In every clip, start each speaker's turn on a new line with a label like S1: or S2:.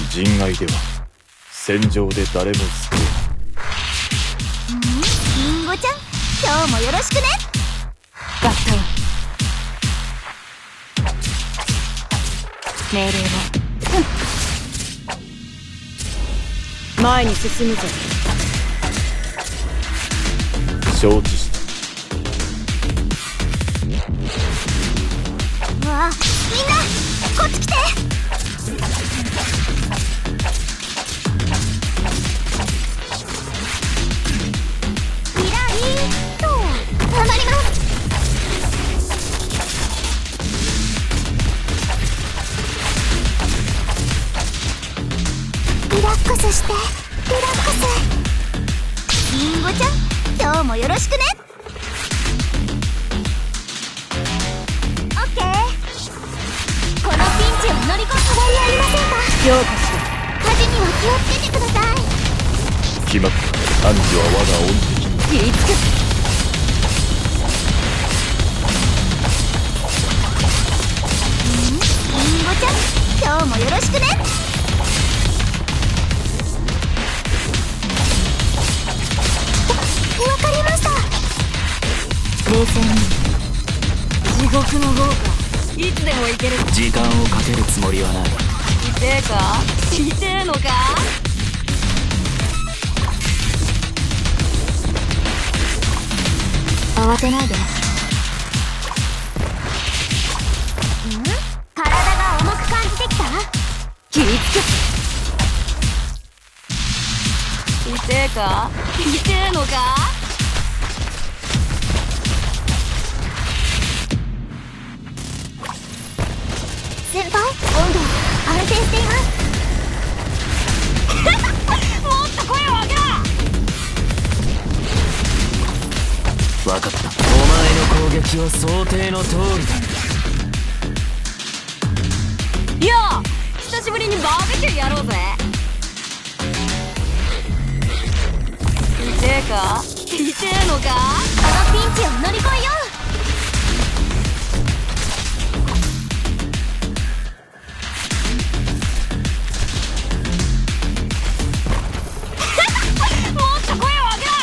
S1: 人愛では戦場で誰も救えない。
S2: リンゴちゃん、今日もよろしくね。
S3: 合体命令は、前に進むぞ。
S1: 承知した。
S2: うわあ、みんなこっち来て。リラリーと頑張ります。リラックスして、リラックス。リンゴちゃん、今日もよろしくね。オッケー。このピンチを乗り越え、変わりありませんか。
S3: 評価しろ。
S2: 火事には気をつけてください。
S1: 決まった。汝は我が恩敵。
S3: 切りつく。
S2: リンゴちゃん、今日もよろしくね。わかりました。
S3: 冷静に。地獄の豪華、いつでも行ける。
S4: 時間をかけるつもりはない。
S3: 痛えか、痛えのか。
S2: 慌てないで。体が重く感じてきた。
S3: 切りつく。痛えか、痛えのか。
S2: 先輩、温度安定しています。
S3: もっと声を上げろ。
S4: 分かった。お前の攻撃は想定の通りだ。
S3: いや、久しぶりにバーベキューやろうぜ。痛えか、痛えのか。
S2: このピンチを乗り越えよう。
S3: もっと声を上げろ。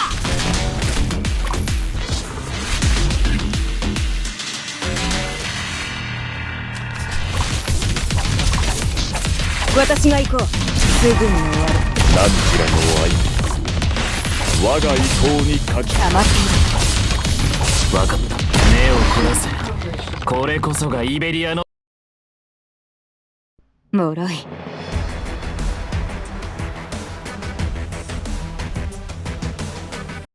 S3: 私が行こう。すぐに終わる。
S1: 汝らの愛、我が意向にかき。
S3: 黙ってい
S4: 分かった。目を凝らせ。これこそがイベリアの。
S3: ろ。脆い。